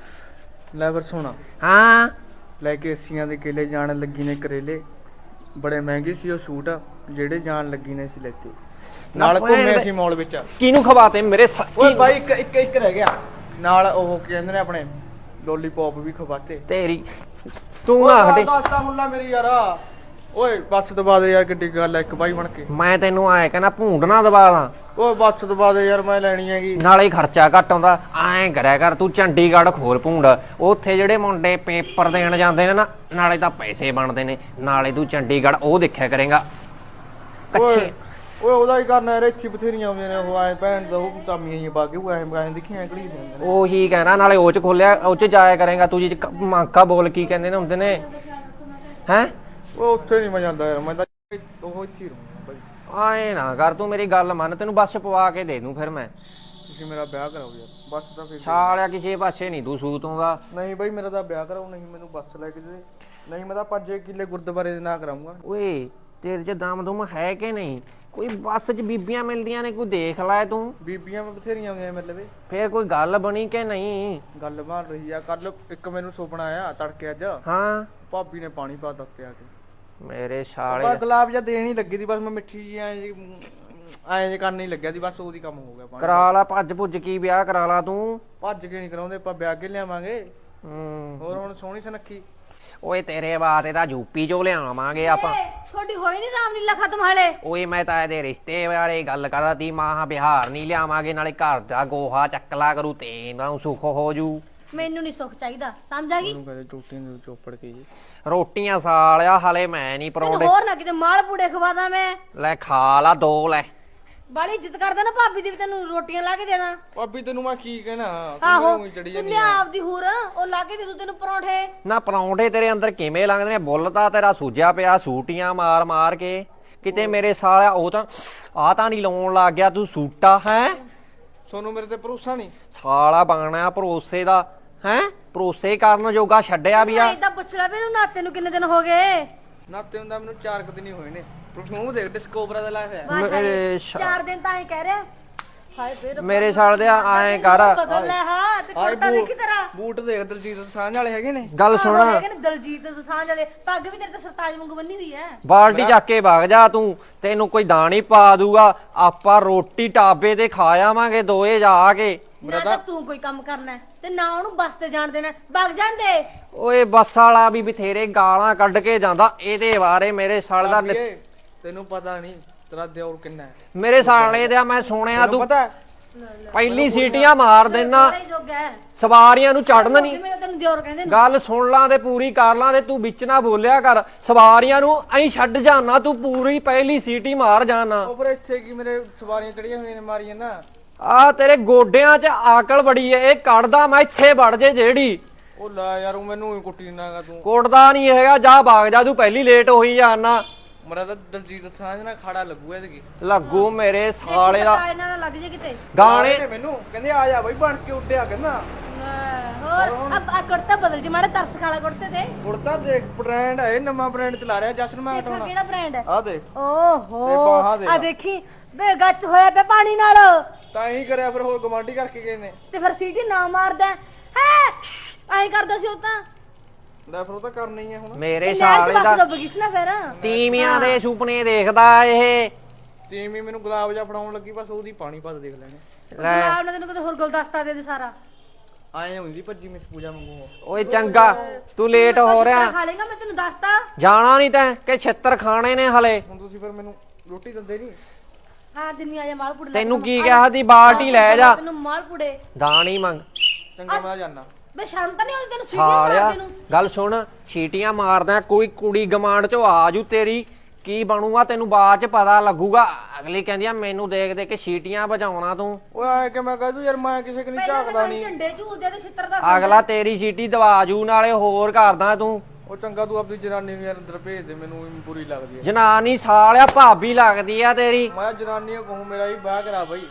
S3: ਲੈ ਫਿਰ ਸੁਣਾ
S1: ਹਾਂ
S3: ਲੈ ਕੇ ਏਸੀਆਂ ਦੇ ਕੇਲੇ ਜਾਣ ਲੱਗੀ ਨੇ ਕਰੇਲੇ ਬੜੇ ਮਹਿੰਗੇ ਸੀ ਉਹ ਸੂਟ ਜਿਹੜੇ ਜਾਣ ਲੱਗੀ ਨੇ ਸੀ ਲੈਤੇ ਨਾਲ ਘੁੰਮੇ ਸੀ ਮਾਲ ਵਿੱਚ।
S1: ਕਿਹਨੂੰ ਖਵਾਤੇ ਮੇਰੇ ਸ-
S3: ਓਏ
S1: ਕੀ-
S3: ਬਾਈ ਇੱਕ ਇੱਕ ਇੱਕ ਰਹਿ ਗਿਆ ਨਾਲ ਉਹ ਕੀ ਕਹਿੰਦੇ ਨੇ ਆਪਣੇ ਲੋਲੀਪੌਪ ਵੀ ਖਵਾਤੇ।
S1: ਤੇਰੀ ਤੂੰ ਨਾ ਹਟੇ।
S3: ਦਾਤਾ ਮੁੱਲਾ ਮੇਰੀ ਯਾਰਾ ਓਏ ਬੱਸ ਦਬਾ ਦੇ ਯਾਰ ਕਿੱਡੀ ਗੱਲ ਐ ਇੱਕ ਬਾਈ ਬਣ ਕੇ।
S1: ਮੈਂ ਤੈਨੂੰ ਆਏ ਕਹਿੰਦਾ ਭੂੰਡ ਨਾ ਦਬਾ ਦਾਂ
S3: ਓਏ ਬੱਸ ਦਬਾ ਦੇ ਯਾਰ ਮੈਂ ਲੈਣੀ ਹੈਗੀ।
S1: ਨਾਲੇ ਖਰਚਾ ਘੱਟ ਆਉਂਦਾ ਐਂ ਕਰਿਆ ਕਰ ਤੂੰ ਚੰਡੀਗੜ੍ਹ ਖੋਲ ਭੂੰਡ ਉੱਥੇ ਜਿਹੜੇ ਮੁੰਡੇ ਪੇਪਰ ਦੇਣ ਜਾਂਦੇ ਨੇ ਨਾ ਨਾਲੇ ਤਾਂ ਪੈਸੇ ਬਣਦੇ ਨੇ ਨਾਲੇ ਤੂੰ ਚੰਡੀਗੜ੍ਹ ਉਹ ਦੇਖਿਆ ਕਰੇਗਾ
S3: ਓਏ
S1: ਕੱਚੇ।
S3: ਓਏ ਉਹਦਾ ਹੀ ਕਰਨਾ ਯਾਰ ਇੱਥੇ ਬਥੇਰੀਆਂ ਆਉਂਦੀਆਂ ਨੇ ਉਹ ਐ ਭੈਣ ਦਾ ਉਹ ਤਾਮੀਆਂ ਹੀ ਬਾਗੇ ਉਹ ਐ ਮੈਂ ਦੇਖੀਆਂ ਕਿਹੜੀ ਹੁੰਦੀਆਂ ਨੇ।
S1: ਉਹੀ ਕਹਿਣਾ ਨਾਲੇ ਉਹ ਚ ਖੋਲਿਆ ਉਹ ਚ ਜਾਇਆ ਕਰੇਗਾ ਤੂੰ ਜੀ ਮਾਂਕਾ ਬੋਲ ਕੀ ਕਹਿੰਦੇ ਨੇ ਹੁੰਦੇ ਨੇ ਹੈਂ।
S3: ਉਹ ਉੱਥੇ ਨਹੀਂ ਮੈਂ ਜਾਂਦਾ ਯਾਰ ਮੈਂ ਤਾਂ ਉਹ ਇੱਥੇ ਹੀ ਰਹੂੰਗਾ ਬਾਈ।
S1: ਆਏ ਨਾ ਕਰ ਤੂੰ ਮੇਰੀ ਗੱਲ ਮੰਨ ਤੈਨੂੰ ਬੱਸ ਪਵਾ ਕੇ ਦੇ ਦੂੰ ਫਿਰ ਮੈਂ।
S3: ਤੁਸੀਂ ਮੇਰਾ ਵਿਆਹ ਕਰਾਓ ਯਾਰ ਬੱਸ ਦਾ ਫਿਰ
S1: ਛਾਲਿਆ ਕਿਸੇ ਪਾਸੇ ਨਹੀਂ ਤੂੰ ਸੂਤ ਆਉਂਦਾ।
S3: ਨਹੀਂ ਬਾਈ ਮੇਰਾ ਤਾਂ ਵਿਆਹ ਕਰਾਓ ਨਹੀਂ ਮੈਨੂੰ ਬੱਸ ਲੈ ਕੇ ਦੇ ਨਹੀਂ ਮੈਂ ਤਾਂ ਪੰਜ ਕਿੱਲੇ ਗੁਰਦੁਆਰੇ ਦੇ ਨਾਂ ਕਰਾਉਂਗਾ।
S1: ਓਏ ਤੇਰੇ ਚ ਦਮ ਦੁਮ ਹੈ ਕਿ ਨਹੀਂ ਕੋਈ ਬੱਸ ਚ ਬੀਬੀਆਂ ਮਿਲਦੀਆਂ ਨੇ ਕੋਈ ਦੇਖ ਲੈ ਤੂੰ।
S3: ਬੀਬੀਆਂ ਬਥੇਰੀਆਂ ਆਉਂਦੀਆਂ ਮੇਰੇ ਲਵੇ।
S1: ਫੇਰ ਕੋਈ ਗੱਲ ਬਣੀ ਕਿ ਨਹੀਂ।
S3: ਗੱਲ ਬਣ ਰਹੀ ਆ ਕੱਲ ਇੱਕ ਮੈਨੂੰ ਸੁਪਨਾ ਆਇਆ ਤੜਕੇ ਅੱਜ
S1: ਹਾਂ
S3: ਭਾਬੀ ਨੇ ਪਾਣੀ ਪਾ ਦਿੱਤੇ ਆ ਕੇ।
S1: ਮੇਰੇ ਛਾਲੇ
S3: ਬਸ ਗੁਲਾਬ ਜਾਂ ਦੇਣ ਹੀ ਲੱਗੀ ਸੀ ਬਸ ਮੈਂ ਮਿੱਠੀ ਜੀ ਐਂ ਜੀ ਐਂ ਜੇ ਕਰਨ ਹੀ ਲੱਗਿਆ ਸੀ ਬਸ ਉਹਦੀ ਕੰਮ ਹੋ ਗਿਆ ਪਾਣੀ।
S1: ਕਰਾ ਲਾ ਭੱਜ ਭੁੱਜ ਕੀ ਵਿਆਹ ਕਰਾ ਲਾ ਤੂੰ।
S3: ਭੱਜ ਕੇ ਨਹੀਂ ਕਰਾਉਂਦੇ ਆਪਾਂ ਵਿਆਹ ਕੇ ਲਿਆਵਾਂਗੇ।
S1: ਹੂੰ
S3: ਹੋਰ ਹੁਣ ਸੋਹਣੀ ਸੁਨੱਖੀ।
S1: ਓਏ ਤੇਰੇ ਬਾਤ ਇਹਦਾ ਯੂਪੀ ਚੋਂ ਲਿਆਵਾਂਗੇ ਆਪਾਂ।
S2: ਏ, ਤੁਹਾਡੀ ਹੋਈ ਨਹੀਂ ਰਾਮਲੀਲਾ ਖਤਮ ਹਾਲੇ।
S1: ਓਏ ਮੈਂ ਤਾਂ ਇਹਦੇ ਰਿਸ਼ਤੇ ਬਾਰੇ ਗੱਲ ਕਰਦਾ ਤੀ ਮਾਂ ਬਿਹਾਰ ਨਹੀਂ ਲਿਆਵਾਂਗੇ ਨਾਲੇ ਘਰ ਦਾ ਗੋਹਾ ਚੱਕਲਾ ਕਰੂ ਤੇ ਨਾ ਸੁੱਖ ਹੋ ਜੂ।
S2: ਮੈਨੂੰ ਨਹੀਂ ਸੁੱਖ ਚਾਹੀਦਾ ਸਮਝ ਆ ਗਈ।
S3: ਉਹਨੂੰ ਕਹਿੰਦੇ ਟੂਟੀ ਨੂੰ ਚੋਪੜ ਕੇ ਜੀ
S1: ਰੋਟੀਆਂ ਸਾਲਿਆ ਹਲੇ ਮੈਂ ਨਹੀਂ
S2: ਤੈਨੂੰ
S1: ਪਰੌਂਠੇ
S2: ਹੋਰ ਨਾ ਕਿਤੇ ਮਾਲ ਪੂੜੇ ਖਵਾਦਾ ਮੈਂ।
S1: ਲੈ ਖਾ ਲਾ ਦੋ ਲੈ
S2: ਬਾਲੀ ਇੱਜ਼ਤ ਕਰਦਾ ਨਾ ਭਾਬੀ ਦੀ ਵੀ ਤੈਨੂੰ ਰੋਟੀਆਂ ਲਾ ਕੇ ਦੇਣਾ।
S3: ਭਾਬੀ ਤੈਨੂੰ ਮੈਂ ਕੀ ਕਹਿਣਾ, ਤੂੰ
S2: ਆਹੋ
S3: ਮੈਨੂੰ ਚੜੀ
S2: ਤੂੰ
S3: ਜਾਂਦੀ
S2: ਲਿਆ
S3: ਆ।
S2: ਆਪਦੀ ਹੂਰ ਉਹ ਲਾ ਕੇ ਦੇ ਦੂ ਤੈਨੂੰ ਪਰੌਂਠੇ।
S1: ਨਾ ਪਰੌਂਠੇ ਤੇਰੇ ਅੰਦਰ ਕਿਵੇਂ ਲੰਘਦੇ ਨੇ? ਬੁੱਲ ਤਾਂ ਤੇਰਾ ਸੂਜਿਆ ਪਿਆ ਸੂਟੀਆਂ ਮਾਰ ਮਾਰ ਕੇ ਕਿਤੇ ਮੇਰੇ ਸਾਲਿਆ ਉਹ ਤਾਂ ਆ ਤਾਂ ਨਹੀਂ ਲਾਉਣ ਲੱਗ ਗਿਆ ਤੂੰ ਸੂਟਾ ਹੈ।
S3: ਸੋਨੂੰ ਮੇਰੇ ਤੇ ਭਰੋਸਾ ਨਹੀਂ?
S1: ਸਾਲਾ ਬਣਨਾ ਭਰੋਸੇ ਦਾ ਹੈ, ਭਰੋਸੇ ਕਰਨ ਜੋਗਾ ਛੱਡਿਆ ਵੀ ਆ।
S2: ਏਦਾਂ ਪੁੱਛ ਲੈ ਵੀ ਇਹਨੂੰ ਨਾਤੇ ਨੂੰ ਕਿੰਨੇ ਦਿਨ ਹੋ ਗਏ?
S3: ਨਾਤੇ ਹੁੰਦਾ ਮੈਨੂੰ ਚਾਰ ਕੁ ਦਿਨ ਹੀ ਹੋਏ ਨੇ। ਮੂੰਹ ਦੇਖ ਡਿਸਕੋਬਰਾ ਦਾ ਲਾਇਆ ਹੋਇਆ।
S2: ਵਾਹ
S1: ਮੇਰੇ
S2: ਸ਼ਾਇਦ ਚਾਰ ਦਿਨ ਤਾਂ ਐ ਕਹਿ ਰਿਹਾ। ਹਾਏ ਫੇਰ
S1: ਮੇਰੇ ਸਾਲ ਦੇ ਐਂ ਕਰ
S2: ਬਦਲ ਲੈ ਹਾਂ ਤੇ
S3: ਹਾਏ
S2: ਕੁੜਤਾ ਦੇਖੀ ਤੇਰਾ।
S3: ਬੂਟ ਦੇਖ ਦਲਜੀਤ ਦੋਸਾਂਝ ਵਾਲੇ ਹੈਗੇ ਨੇ।
S1: ਗੱਲ ਸੁਣ,
S2: ਆਹੋ ਹੈਗੇ ਨੇ ਦਲਜੀਤ ਦੋਸਾਂਝ ਵਾਲੇ। ਪੱਗ ਵੀ ਤੇਰੇ ਤੇ ਸਰਤਾਜ ਵਾਂਗੂ ਬੰਨੀ ਹੋਈ ਐ।
S1: ਬਾਲਟੀ ਚੱਕ ਕੇ ਵਗ ਜਾ ਤੂੰ, ਤੈਨੂੰ ਕੋਈ ਦਾਣੀ ਪਾ ਦੂਗਾ। ਆਪਾਂ ਰੋਟੀ ਢਾਬੇ ਤੇ ਖਾ ਆਵਾਂਗੇ ਦੋਏ ਜਾ ਕੇ।
S2: ਨਾ ਤਾਂ ਤੂੰ ਕੋਈ ਕੰਮ ਕਰਨਾ ਹੈ, ਤੇ ਨਾ ਉਹਨੂੰ ਬੱਸ ਤੇ ਜਾਣ ਦੇਣਾ। ਵਗ ਜਾਂਦੇ।
S1: ਓਏ ਬੱਸ ਵਾਲਾ ਵੀ ਬਥੇਰੇ ਗਾਲਾਂ ਕੱਢ ਕੇ ਜਾਂਦਾ। ਇਹਦੇ ਬਾਰੇ ਮੇਰੇ ਸਾਲ ਦਾ ਨਿ-
S3: ਭਾਬੀਏ, ਤੈਨੂੰ ਪਤਾ ਨਹੀਂ ਤੇਰਾ ਦਿਓਰ ਕਿੰਨਾ ਹੈ?
S1: ਮੇਰੇ ਸਾਲੇ ਦਾ ਮੈਂ ਸੁਣਿਆ
S3: ਤੈਨੂੰ
S1: ਤੂੰ
S3: ਪਤਾ?
S1: ਪਹਿਲੀ ਸੀਟੀਆਂ ਮਾਰ ਦੇਣਾ,
S2: ਬੜਾ ਹੀ ਜੋਗਾ ਹੈ।
S1: ਸਵਾਰੀਆਂ ਨੂੰ ਚੜਨ ਨਹੀਂ।
S2: ਜਿਵੇਂ ਤੈਨੂੰ ਦਿਓਰ ਕਹਿੰਦੇ ਨੇ।
S1: ਗੱਲ ਸੁਣ ਲਾਂ ਤੇ ਪੂਰੀ ਕਰ ਲਾਂ ਤੇ ਤੂੰ ਵਿੱਚ ਨਾ ਬੋਲਿਆ ਕਰ। ਸਵਾਰੀਆਂ ਨੂੰ ਐਂ ਛੱਡ ਜਾਣਾ ਤੂੰ, ਪੂਰੀ ਪਹਿਲੀ ਸੀਟੀ ਮਾਰ ਜਾਣਾ।
S3: ਉਹ ਪਰ ਇੱਥੇ ਕੀ ਮੇਰੇ ਸਵਾਰੀਆਂ ਚੜੀਆਂ ਹੋਈਆਂ ਨੇ ਮਾਰੀਆਂ ਨਾ।
S1: ਆ ਤੇਰੇ ਗੋਡਿਆਂ 'ਚ ਆਕਲ ਬੜੀ ਏ, ਇਹ ਕੱਢਦਾ ਮੈਂ ਇੱਥੇ ਵੜ ਜੇ ਜਿਹੜੀ।
S3: ਉਹ ਲੈ ਯਾਰ ਉਹ ਮੈਨੂੰ ਹੀ ਕੁੱਟੀ ਨਾਗਾ ਤੂੰ।
S1: ਕੋਟਦਾ ਨਹੀਂ ਹੈਗਾ, ਜਾ ਭਾਗ ਜਾ ਤੂੰ, ਪਹਿਲੀ ਲੇਟ ਹੋਈ ਜਾਣਾ।
S3: ਮੇਰਾ ਤਾਂ ਦਲਜੀਤ ਦੋਸਾਂਝ ਨਾਲ ਖਾੜਾ ਲੱਗੂ ਇਹਦੇ ਕੀ।
S1: ਲੱਗੂ ਮੇਰੇ ਸਾਲੇ ਦਾ
S2: ਸਰਤਾਜ ਨਾਲ ਲੱਗ ਜੇ ਕਿਤੇ।
S1: ਗਾਣੇ।
S3: ਨੇ ਮੈਨੂੰ ਕਹਿੰਦੇ ਆ ਜਾ ਬਈ ਬਣ ਕੇ ਉੱਡਿਆ ਕਹਿੰਦਾ।
S2: ਹੋਰ ਆ ਕੁੜਤਾ ਬਦਲ ਜੇ ਮਾੜਾ ਤਰਸ ਖਾਲਾ ਕੁੜਤੇ ਤੇ।
S3: ਕੁੜਤਾ ਦੇਖ ਬ੍ਰਾਂਡ ਹੈ, ਨਵਾਂ ਬ੍ਰਾਂਡ ਚਲਾ ਰਿਹਾ ਜਸ਼ਨ ਮੈਂ
S2: ਦੇਖਾ
S3: ਹਟਾਉਣਾ।
S2: ਕਿਹੜਾ ਬ੍ਰਾਂਡ ਹੈ?
S3: ਆ ਦੇਖ
S2: ਓਹੋ
S3: ਤੇ ਬਾਹਾਂ ਦੇਖ।
S2: ਆ ਦੇਖੀ ਬੇ ਗੱਚ ਹੋਇਆ ਪਿਆ ਪਾਣੀ ਨਾਲ।
S3: ਤਾਂ ਹੀ ਕਰਿਆ ਫਿਰ ਹੋਰ ਗਵਾਂਢੀ ਕਰਕੇ ਗਏ ਨੇ।
S2: ਤੇ ਫਿਰ ਸੀਟੀ ਨਾ ਮਾਰਦਾ ਹੈ ਐਂ ਕਰਦਾ ਸੀ ਉਹ ਤਾਂ।
S3: ਲੈ ਫਿਰ ਉਹ ਤਾਂ ਕਰਨਾ ਹੀ ਹੈ ਹੁਣ।
S1: ਮੇਰੇ
S2: ਤੇ
S1: ਸਾਲੇ
S2: ਨਹਿਰ 'ਚ ਬੱਸ
S1: ਦਾ
S2: ਡੁੱਬ ਗਈ ਸੀ ਨਾ ਫਿਰ।
S1: ਤੀਵੀਆਂ ਦੇ ਸੁਪਨੇ ਦੇਖਦਾ ਇਹ।
S3: ਟੀਮ ਹੀ ਮੈਨੂੰ ਗੁਲਾਬ ਜਾ ਫੜਾਉਣ ਲੱਗੀ, ਬਸ ਉਹਦੀ ਪਾਣੀ ਪਾ ਦੇਖ ਲੈਣੇ।
S1: ਲੈ
S2: ਗੁਲਾਬ ਨੇ ਤੈਨੂੰ ਕਿਤੇ ਹੋਰ ਗੁਲਦਸਤਾ ਦੇ ਦੇ ਸਾਰਾ।
S3: ਆਏ ਹੁੰਦੀ ਭੱਜੀ ਮਿਸ ਪੂਜਾ ਵਾਂਗੂ।
S1: ਓਏ ਚੰਗਾ ਤੂੰ ਲੇਟ ਹੋ ਰਿਹਾ।
S2: ਖਾ ਲੇਗਾ ਮੈਂ ਤੈਨੂੰ ਦੱਸਤਾ।
S1: ਜਾਣਾ ਨਹੀਂ ਤੈਂ ਕਿ ਛਿੱਤਰ ਖਾਣੇ ਨੇ ਹਲੇ।
S3: ਹੁਣ ਤੁਸੀਂ ਫਿਰ ਮੈਨੂੰ ਰੋਟੀ ਦਿੰਦੇ ਨਹੀਂ?
S2: ਹਾਂ ਦਿੰਨੀ ਆ ਜਾ ਮਾਲਪੂੜੇ ਲੈ
S1: ਤੈਨੂੰ
S2: ਕੇ
S1: ਕੀ
S2: ਆ
S1: ਕਿਹਾ ਦੀ ਬਾਲਟੀ ਲੈ ਜਾ।
S2: ਤੈਨੂੰ ਮਾਲਪੂੜੇ
S1: ਦਾਣੀ ਮੰਗ।
S3: ਚੰਗਾ ਮੈਂ ਜਾਣਾ।
S2: ਬੇ ਸ਼ਰਮ ਤਾਂ ਨਹੀਂ ਆਉਂਦੀ ਤੈਨੂੰ ਸੀਟੀ
S1: ਸਾਲਿਆ
S2: ਮਾਰਦੇ ਨੂੰ।
S1: ਗੱਲ ਸੁਣ, ਛੀਟੀਆਂ ਮਾਰਦਾ ਕੋਈ ਕੁੜੀ ਗਮਾਂਡ ਚੋਂ ਆਜੂ ਤੇਰੀ ਕੀ ਬਣੂਗਾ ਤੈਨੂੰ ਬਾਅਦ ਚ ਪਤਾ ਲੱਗੂਗਾ। ਅਗਲੀ ਕਹਿੰਦੀ ਆ ਮੈਨੂੰ ਦੇਖ ਦੇ ਕੇ ਛੀਟੀਆਂ ਵਜਾਉਣਾ ਤੂੰ।
S3: ਓਏ ਆਏ ਕਿ ਮੈਂ ਕਹਦੂ ਯਾਰ ਮੈਂ ਕਿਸੇ ਕਨੀ
S2: ਪਹਿਲਾਂ
S3: ਝਾਕਦਾ
S2: ਤਾਂ
S3: ਨਹੀਂ।
S2: ਝੰਡੇ ਝੂਲਦੇ ਤੇ ਛਿੱਤਰ ਦਾ
S1: ਅਗਲਾ ਤੇਰੀ ਛੀਟੀ ਦਵਾਜੂ ਨਾਲੇ ਹੋਰ ਕਰਦਾ ਤੂੰ।
S3: ਉਹ ਚੰਗਾ ਤੂੰ ਆਪਣੀ ਜਨਾਨੀ ਨੂੰ ਯਾਰ ਅੰਦਰ ਭੇਜ ਦੇ, ਮੈਨੂੰ ਵੀ ਬੁਰੀ ਲੱਗਦੀ ਹੈ।
S1: ਜਨਾਨੀ ਸਾਲਿਆ ਭਾਬੀ ਲੱਗਦੀ ਆ ਤੇਰੀ।
S3: ਮੈਂ ਜਨਾਨੀ ਨੂੰ ਕਹੂੰ ਮੇਰਾ ਹੀ ਵਿਆਹ ਕਰਾ ਬਈ।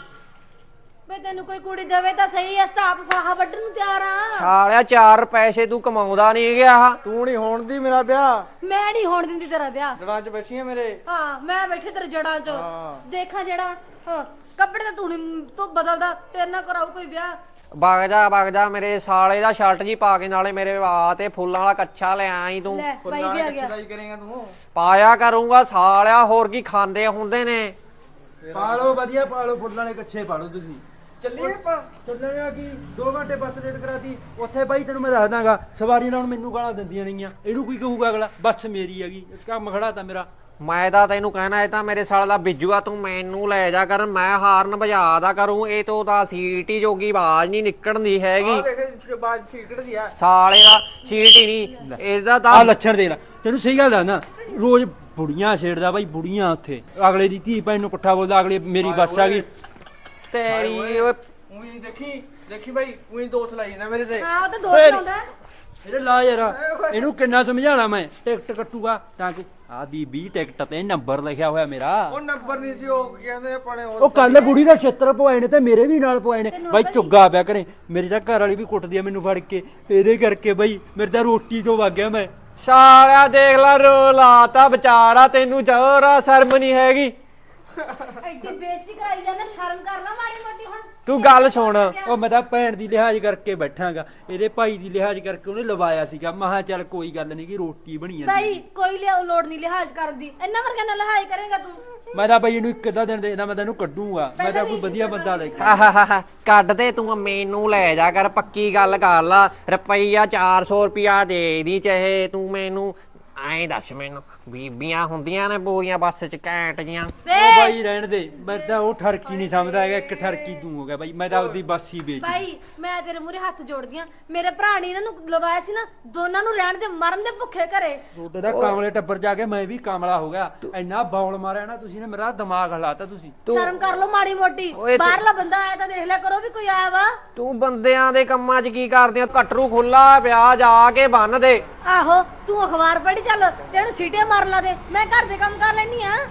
S2: ਬੇ ਤੈਨੂੰ ਕੋਈ ਕੁੜੀ ਦੇਵੇ ਤਾਂ ਸਹੀ ਐ, ਸਟਾਪ ਫਾਹਾ ਵੱਢਣ ਨੂੰ ਤਿਆਰ ਆ।
S1: ਸਾਲਿਆ ਚਾਰ ਪੈਸੇ ਤੂੰ ਕਮਾਉਂਦਾ ਨਹੀਂ ਗਿਆ।
S3: ਤੂੰ ਨਹੀਂ ਹੋਣ ਦੀ ਮੇਰਾ ਵਿਆਹ।
S2: ਮੈਂ ਨਹੀਂ ਹੋਣ ਦਿੰਦੀ ਤੇਰਾ ਵਿਆਹ।
S3: ਜੜਾਂ 'ਚ ਬੈਠੀਆਂ ਮੇਰੇ।
S2: ਹਾਂ ਮੈਂ ਬੈਠੇ ਤੇਰੇ ਜੜਾਂ 'ਚ
S3: ਹਾਂ।
S2: ਦੇਖਾਂ ਜਿਹੜਾ ਹਾਂ ਕੱਪੜੇ ਤਾਂ ਤੂੰ ਨਹੀਂ ਤੂੰ ਬਦਲਦਾ, ਤੇਰੇ ਨਾਲ ਕਰਾਉ ਕੋਈ ਵਿਆਹ।
S1: ਵਗ ਜਾ ਵਗ ਜਾ ਮੇਰੇ ਸਾਲੇ ਦਾ ਸ਼ਰਟ ਜੀ ਪਾ ਕੇ ਨਾਲੇ ਮੇਰੇ ਵਾਹ ਤੇ ਫੁੱਲਾਂ ਵਾਲਾ ਕੱਛਾ ਲੈ ਆਈ ਤੂੰ।
S2: ਲੈ ਬਾਈ
S3: ਫੁੱਲਾਂ
S2: ਵੀ ਆ
S3: ਕਿੱਥੇ
S2: ਗਿਆ।
S3: ਦਾ ਹੀ ਕਰੇਗਾ ਤੂੰ?
S1: ਪਾਇਆ ਕਰੂੰਗਾ ਸਾਲਿਆ, ਹੋਰ ਕੀ ਖਾਂਦੇ ਹੁੰਦੇ ਨੇ।
S4: ਪਾਲੋ ਵਧੀਆ ਪਾਲੋ, ਫੁੱਲਾਂ ਵਾਲੇ ਕੱਛੇ ਪਾਲੋ ਤੁਸੀਂ।
S3: ਚੱਲੀਏ ਆਪਾਂ।
S4: ਚੱਲਣਾ ਕੀ ਦੋ ਘੰਟੇ ਬੱਸ ਲੇਟ ਕਰਾਤੀ ਉੱਥੇ ਬਾਈ, ਤੈਨੂੰ ਮੈਂ ਦੱਸ ਦਾਂਗਾ ਸਵਾਰੀ ਨਾਲ ਮੈਨੂੰ ਗਾਲਾਂ ਦਿੰਦੀਆਂ ਨਹੀਂਆਂ। ਇਹਨੂੰ ਕੀ ਕਹੂਗਾ ਅਗਲਾ, ਬੱਸ ਮੇਰੀ ਹੈਗੀ, ਕੰਮ ਖੜਾ ਤਾਂ ਮੇਰਾ।
S1: ਮੈਂ ਤਾਂ ਤੈਨੂੰ ਕਹਿਣਾ ਇਹ ਤਾਂ ਮੇਰੇ ਸਾਲ ਦਾ ਬਿੱਜੂਆ, ਤੂੰ ਮੈਨੂੰ ਲੈ ਜਾ ਕਰ, ਮੈਂ ਹਾਰਨ ਵਜਾਦਾ ਕਰੂੰ। ਇਹ ਤੋਂ ਤਾਂ ਸੀਟੀ ਜੋਗੀ ਆਵਾਜ਼ ਨਹੀਂ ਨਿਕਲਦੀ ਹੈਗੀ।
S3: ਆ ਦੇਖ ਬਾਜ ਸੀਕਟ ਦੀ ਆ।
S1: ਸਾਲੇ ਦਾ ਸੀਟੀ ਨਹੀਂ ਇਹਦਾ
S4: ਆ
S1: ਤਾਂ।
S4: ਲੱਛਣ ਦੇ ਲੈ, ਤੈਨੂੰ ਸਹੀ ਗੱਲ ਦੱਸਦਾ, ਰੋਜ਼ ਬੁੜੀਆਂ ਛੇੜਦਾ ਬਾਈ, ਬੁੜੀਆਂ ਉੱਥੇ ਅਗਲੇ ਦੀ ਧੀ ਭੈਣ ਨੂੰ ਪੁੱਠਾ ਬੋਲਦਾ, ਅਗਲੇ ਮੇਰੀ ਬੱਸ ਆ ਗਈ।
S1: ਤੇਰੀ ਓਏ
S3: ਉਹੀ ਦੇਖੀ ਦੇਖੀ ਬਾਈ, ਉਹੀ ਦੋਸਤ ਲਾਈ ਜਾਂਦਾ ਮੇਰੇ ਤੇ।
S2: ਹਾਂ ਉਹ ਤਾਂ ਦੋਸਤ ਲਾਉਂਦਾ।
S4: ਇਹਦੇ ਲਾ ਯਾਰ, ਇਹਨੂੰ ਕਿੰਨਾ ਸਮਝਾਣਾ ਮੈਂ, ਟਿਕਟ ਕੱਟੂਗਾ ਤਾਂ ਕਿ ਆ ਦੀ ਵੀਹ ਟਿਕਟ ਤੇ ਨੰਬਰ ਲਿਖਿਆ ਹੋਇਆ ਮੇਰਾ।
S3: ਉਹ ਨੰਬਰ ਨਹੀਂ ਸੀ, ਉਹ ਕਹਿੰਦੇ ਆਪਣੇ
S4: ਉਹ ਕੱਲ ਬੁੜੀ ਦਾ ਛਿੱਤਰ ਪਵਾਏ ਨੇ ਤੇ ਮੇਰੇ ਵੀ ਨਾਲ ਪਵਾਏ ਨੇ ਬਾਈ। ਚੁੱਗਾ ਪਿਆ ਕਰੇ, ਮੇਰੀ ਤਾਂ ਘਰ ਵਾਲੀ ਵੀ ਕੁੱਟਦੀ ਆ ਮੈਨੂੰ ਫੜ ਕੇ, ਇਹਦੇ ਕਰਕੇ ਬਾਈ ਮੇਰੇ ਤਾਂ ਰੋਟੀ ਤੋਂ ਵਗ ਗਿਆ ਮੈਂ।
S1: ਸਾਲਿਆ ਦੇਖ ਲੈ ਰੋ ਲਾਤਾ ਵਿਚਾਰਾ, ਤੈਨੂੰ ਜਰਾ ਸ਼ਰਮ ਨਹੀਂ ਹੈਗੀ।
S2: ਐਡੀ ਬੇਇੱਜ਼ਤੀ ਕਰਾਈ ਜਾਂਦਾ, ਸ਼ਰਮ ਕਰ ਲੈ ਮਾੜੀ ਮੋਟੀ ਹੁਣ।
S1: ਤੂੰ ਗੱਲ ਸੁਣ,
S4: ਉਹ ਮੈਂ ਤਾਂ ਭੈਣ ਦੀ ਲਿਹਾਜ਼ ਕਰਕੇ ਬੈਠਾਂਗਾ, ਇਹਦੇ ਭਾਈ ਦੀ ਲਿਹਾਜ਼ ਕਰਕੇ ਉਹਨੇ ਲਵਾਇਆ ਸੀਗਾ। ਮਹਾ ਚੱਲ ਕੋਈ ਗੱਲ ਨਹੀਂ ਕਿ ਰੋਟੀ ਬਣੀ ਜਾਂਦੀ।
S2: ਬਾਈ ਕੋਈ ਲਿਆ ਲੋੜ ਨਹੀਂ ਲਿਹਾਜ਼ ਕਰਨ ਦੀ, ਇੰਨਾ ਵਰਗਾ ਨਾਲ ਲਿਹਾਜ਼ ਕਰੇਗਾ ਤੂੰ।
S4: ਮੈਂ ਤਾਂ ਬਾਈ ਇਹਨੂੰ ਇੱਕ ਅੱਧਾ ਦਿਨ ਦੇਦਾ, ਮੈਂ ਤੈਨੂੰ ਕੱਢੂਗਾ। ਮੈਂ ਤਾਂ ਕੋਈ ਵਧੀਆ ਬੰਦਾ ਲੈ ਕੇ
S1: ਆਹਾਹਾ, ਕੱਢ ਦੇ ਤੂੰ, ਮੈਨੂੰ ਲੈ ਜਾ ਕਰ, ਪੱਕੀ ਗੱਲ ਕਰ ਲਾ। ਰੁਪਈਆ ਚਾਰ ਸੌ ਰੁਪਿਆ ਦੇ ਦੀ ਚਾਹੇ ਤੂੰ ਮੈਨੂੰ ਐਂ ਦੱਸ ਮੈਨੂੰ ਬੀਬੀਆਂ ਹੁੰਦੀਆਂ ਨੇ ਪੂਰੀਆਂ ਬੱਸ ਚ ਘੈਂਟ ਜੀਆਂ?
S2: ਵੇ
S4: ਉਹ ਬਾਈ ਰਹਿਣ ਦੇ, ਮੈਂ ਤਾਂ ਉਹ ਠਰਕੀ ਨਹੀਂ ਸਮਝਦਾ ਹੈਗਾ, ਇੱਕ ਠਰਕੀ ਤੂੰ ਹੋ ਗਿਆ ਬਾਈ, ਮੈਂ ਤਾਂ ਆਪਦੀ ਬੱਸ ਹੀ ਵੇਚ
S2: ਭਾਈ ਮੈਂ ਤੇਰੇ ਮੂਹਰੇ ਹੱਥ ਜੋੜਦੀ ਆ, ਮੇਰੇ ਭਰਾ ਨੇ ਇਹਨਾਂ ਨੂੰ ਲਵਾਇਆ ਸੀ ਨਾ, ਦੋਨਾਂ ਨੂੰ ਰਹਿਣ ਦੇ ਮਰਨ ਦੇ ਭੁੱਖੇ ਘਰੇ।
S4: ਤੁਹਾਡੇ ਦਾ ਕਾਮਲੇ ਟੱਬਰ ਜਾ ਕੇ ਮੈਂ ਵੀ ਕਾਮਲਾ ਹੋ ਗਿਆ, ਇੰਨਾ ਬੌਲ ਮਾਰਿਆ ਨਾ ਤੁਸੀਂ ਨੇ, ਮੇਰਾ ਦਿਮਾਗ ਹਲਾਤਾ ਤੁਸੀਂ।
S2: ਸ਼ਰਮ ਕਰ ਲੋ ਮਾੜੀ ਮੋਟੀ,
S1: ਓਏ ਤੂੰ-
S2: ਬਾਹਰਲਾ ਬੰਦਾ ਆਇਆ ਤਾਂ ਦੇਖ ਲਿਆ ਕਰੋ ਵੀ ਕੋਈ ਆਇਆ ਵਾ।
S1: ਤੂੰ ਬੰਦਿਆਂ ਦੇ ਕੰਮਾਂ 'ਚ ਕੀ ਕਰਦੀ ਆ? ਕਟਰੂ ਖੁੱਲਾ ਪਿਆ, ਜਾ ਕੇ ਬੰਨ ਦੇ।
S2: ਆਹੋ ਤੂੰ ਅਖਬਾਰ ਪੜ੍ਹ ਚੱਲ, ਤੈਨੂੰ ਸੀਟੇ ਮਾਰ ਲਾ ਦੇ, ਮੈਂ ਘਰ ਦੇ ਕੰਮ ਕਰ ਲੈਣੀ ਆ।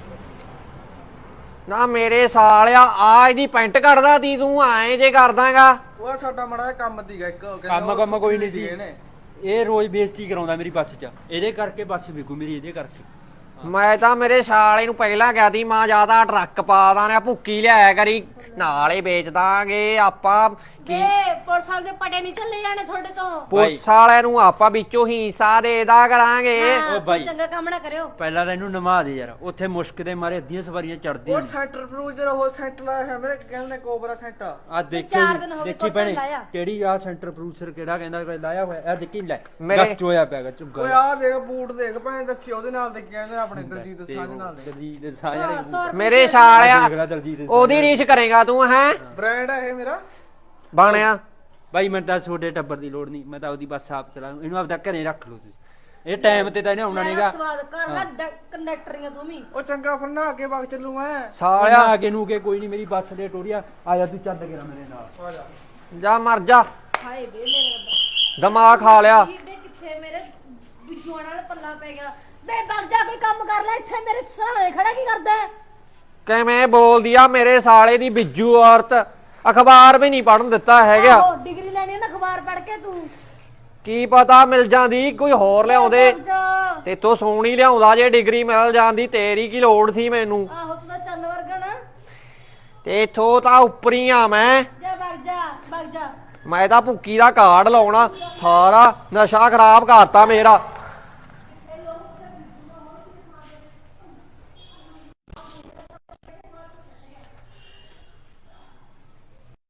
S1: ਨਾ ਮੇਰੇ ਸਾਲਿਆ ਆ ਇਹਦੀ ਪੈਂਟ ਕੱਢਦਾ ਤੀ, ਤੂੰ ਐਂ ਜੇ ਕਰਦਾਗਾ।
S3: ਉਹ ਸਾਡਾ ਮੜਾ ਜਿਹਾ ਕੰਮ ਸੀਗਾ ਇੱਕ, ਕਹਿੰਦਾ
S4: ਕੰਮ
S3: ਉਹ
S4: ਕੰਮ ਕੋਈ ਨਹੀਂ
S3: ਸੀਗੇ
S4: ਸੀ,
S3: ਨੇ।
S4: ਇਹ ਰੋਜ਼ ਬੇਇੱਜ਼ਤੀ ਕਰਾਉਂਦਾ ਮੇਰੀ ਬੱਸ 'ਚ, ਇਹਦੇ ਕਰਕੇ ਬੱਸ ਵਿਕੂ ਮੇਰੀ, ਇਹਦੇ ਕਰਕੇ।
S1: ਮੈਂ ਤਾਂ ਮੇਰੇ ਸਾਲੇ ਨੂੰ ਪਹਿਲਾਂ ਕਿਹਾ ਤੀ ਮਾਂ ਜਿਆਦਾ ਟਰੱਕ ਪਾ ਦਾਂ, ਭੁੱਕੀ ਲਿਆਇਆ ਕਰੀ, ਨਾਲ ਹੀ ਵੇਚ ਦਾਂਗੇ ਆਪਾਂ।
S2: ਵੇ ਪੁਲਿਸ ਵਾਲੇ ਦੇ ਪਟੇ ਨਹੀਂ ਚੱਲੇ ਜਾਣੇ ਤੁਹਾਡੇ ਤੋਂ।
S1: ਪੁਲਿਸ ਵਾਲਿਆਂ ਨੂੰ ਆਪਾਂ ਵਿੱਚੋਂ ਹਿੱਸਾ ਦੇਦਾ ਕਰਾਂਗੇ।
S2: ਹਾਂ,
S4: ਓ ਬਾਈ।
S2: ਕੋਈ ਚੰਗਾ ਕੰਮ ਨਾ ਕਰਿਓ।
S4: ਪਹਿਲਾਂ ਤਾਂ ਇਹਨੂੰ ਨਮਾ ਦੇ ਯਾਰ, ਉੱਥੇ ਮੁਸ਼ਕ ਦੇ ਮਾਰੇ ਅੱਧੀਆਂ ਸਵਾਰੀਆਂ ਚੜਦੀਆਂ
S3: ਉਹ ਸੈਂਟਰ ਫਰੂਜਰ ਉਹ ਸੈਂਟ ਲਾਇਆ ਹੈ ਮੇਰੇ, ਕਹਿੰਦੇ ਕੋਬਰਾ ਸੈਂਟ।
S4: ਆ ਦੇਖੀ
S2: ਚਾਰ ਦਿਨ ਹੋ ਗਏ
S4: ਦੇਖੀ
S2: ਕੋਟਨ
S4: ਭੈਣੇ,
S2: ਲਾਇਆ।
S4: ਕਿਹੜੀ ਆ ਸੈਂਟਰ ਪ੍ਰੋਡਿਊਸਰ ਕਿਹੜਾ ਕਹਿੰਦਾ ਕਿ ਲਾਇਆ ਹੋਇਆ, ਆ ਦੇਖੀ ਲੈ
S1: ਮੇਰੇ-
S4: ਗੱਚ ਹੋਇਆ ਪਿਆਗਾ
S3: ਓਏ
S4: ਝੁੱਗਾ।
S3: ਆਹ ਦੇਖ ਬੂਟ ਦੇਖ ਭੈਣ, ਦੱਸੀ ਉਹਦੇ ਨਾਲ ਦੇ ਕਹਿੰਦੇ ਆਪਣੇ ਦਲਜੀਤ ਸਾਂਝ ਨਾਲ ਦੇ।
S4: ਦਲਜੀਤ
S2: ਸੌ
S4: ਸਾਂਝ
S2: ਰੁਪਏ
S1: ਮੇਰੇ
S4: ਦੇਖ
S1: ਸਾਲਿਆ
S4: ਲੈ ਦਲਜੀਤ
S1: ਉਹਦੀ ਰੀਸ ਕਰੇਗਾ ਤੂੰ, ਹੈ
S3: ਬ੍ਰਾਂਡ ਹੈ ਇਹ ਮੇਰਾ।
S1: ਬਣਿਆ।
S4: ਬਾਈ ਮੈਨੂੰ ਤਾਂ ਛੋਟੇ ਟੱਬਰ ਦੀ ਲੋੜ ਨਹੀਂ, ਮੈਂ ਤਾਂ ਉਹਦੀ ਬੱਸ ਆਪ ਚਲਾ, ਇਹਨੂੰ ਆਪਦਾ ਘਰੇ ਰੱਖ ਲਓ ਤੁਸੀਂ, ਇਹ ਟਾਈਮ ਤੇ ਤਾਂ ਇਹਨੇ ਆਉਣਾ
S2: ਮੇਰਾ
S4: ਨਹੀਂਗਾ।
S2: ਸਵਾਦ ਕਰ ਲੈ ਕੰਡਕਟਰੀਆਂ ਤੂੰ ਵੀ।
S3: ਉਹ ਚੰਗਾ ਫਿਰ ਨਹਾ ਕੇ ਵਗ ਚੱਲੂ ਮੈਂ।
S1: ਸਾਲਿਆ
S4: ਆਗੇ ਨੂੰ ਕੇ ਕੋਈ ਨਹੀਂ, ਮੇਰੀ ਬੱਸ ਦੇ ਟੋਰੀਆ ਆ ਜਾ, ਤੂੰ ਚੱਲ ਗਿਆ ਮੇਰੇ ਨਾਲ।
S3: ਆ ਜਾ।
S1: ਜਾ ਮਰ ਜਾ,
S2: ਹਾਏ ਵੇ ਮੇਰੇ ਰੱਬਾ,
S1: ਦਿਮਾਗ ਖਾ ਲਿਆ।
S2: ਵੀਰ ਦੇ ਕਿੱਥੇ ਮੇਰੇ ਬਿੱਜੂਆਂ ਨਾਲ ਪੱਲਾ ਪੈ ਗਿਆ। ਬੇ ਬਗ ਜਾ, ਕੋਈ ਕੰਮ ਕਰ ਲੈ, ਇੱਥੇ ਮੇਰੇ ਸਰਾਣੇ ਖੜਾ ਕੀ ਕਰਦਾ ਹੈ?
S1: ਕਿਵੇਂ ਬੋਲਦੀ ਆ ਮੇਰੇ ਸਾਲੇ ਦੀ ਬਿੱਜੂ ਔਰਤ, ਅਖਬਾਰ ਵੀ ਨਹੀਂ ਪੜਨ ਦਿੱਤਾ ਹੈਗਾ।
S2: ਆਹੋ ਡਿਗਰੀ ਲੈਣੀ ਹੈ ਨਾ, ਅਖਬਾਰ ਪੜ੍ਹ ਕੇ ਤੂੰ।
S1: ਕੀ ਪਤਾ ਮਿਲ ਜਾਂਦੀ, ਕੋਈ ਹੋਰ ਲਿਆਉਂਦੇ,
S2: ਬਗ ਜਾ।
S1: ਤੇਥੋਂ ਸੋਹਣੀ ਲਿਆਉਂਦਾ ਜੇ ਡਿਗਰੀ ਮਿਲ ਜਾਂਦੀ, ਤੇਰੀ ਕੀ ਲੋੜ ਸੀ ਮੈਨੂੰ?
S2: ਆਹੋ ਤੂੰ ਤਾਂ ਚੰਨ ਵਰਗਾ ਨਾ।
S1: ਤੇ ਇਥੋਂ ਤਾਂ ਉੱਪਰੀ ਆ ਮੈਂ
S2: ਜਾ ਬਗ ਜਾ ਬਗ ਜਾ।
S1: ਮੈਂ ਤਾਂ ਭੁੱਕੀ ਦਾ ਕਾਰਡ ਲਾਉਣਾ, ਸਾਰਾ ਨਸ਼ਾ ਖਰਾਬ ਕਰਤਾ ਮੇਰਾ।